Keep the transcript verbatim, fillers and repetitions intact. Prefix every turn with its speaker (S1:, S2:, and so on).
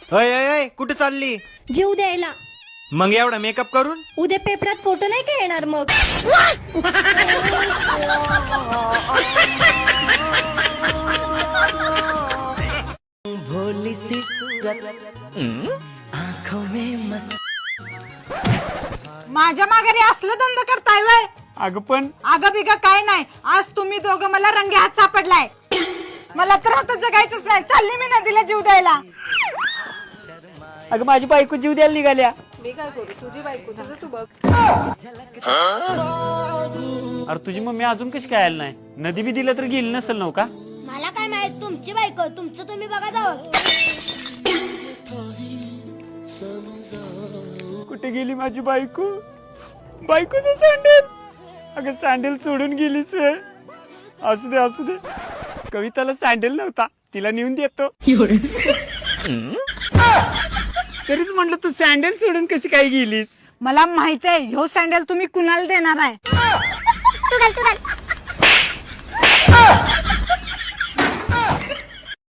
S1: अय अय अय कुठे चालली?
S2: जीव द्यायला.
S1: मग एवढा मेकअप करून?
S2: उद्या पेपरात फोटो नाही का येणार मग?
S3: भोली सी आंखों में मस्त.
S4: माझ्या माघारी असलं धंदा करताय वय?
S5: अगं पण
S4: अगं बिगं काय नाही, आज तुम्ही दोघं मला रंगे हात सापडलाय. मला तर आता जगायचंच नाही, चालली मी नदीला जीव द्यायला.
S5: अगं माझी बायको जीव द्यायला निघाल्या.
S6: मी काय करू? तुझी बायको तुझं तू बघ.
S5: अरे तुझी मम्मी अजून कशी काय आली नाही? नदी बी दिलं तर गेली नसेल नव का?
S2: मला काय माहित, तुमची बायको, तुमचं तुम्ही बघा जावं.
S5: कुठे गेली माझी बायको? बायकोचं सँडल. अगं सँडल सोडून गेलीस वे. असू दे असू दे, कविताला सँडल नव्हता, तिला नेऊन देतो. तरीच म्हटलं तू सँडल सोडून कशी काय गेलीस?
S4: मला माहित आहे ह्यो सँडल तुम्ही कुणाला देणार आहे.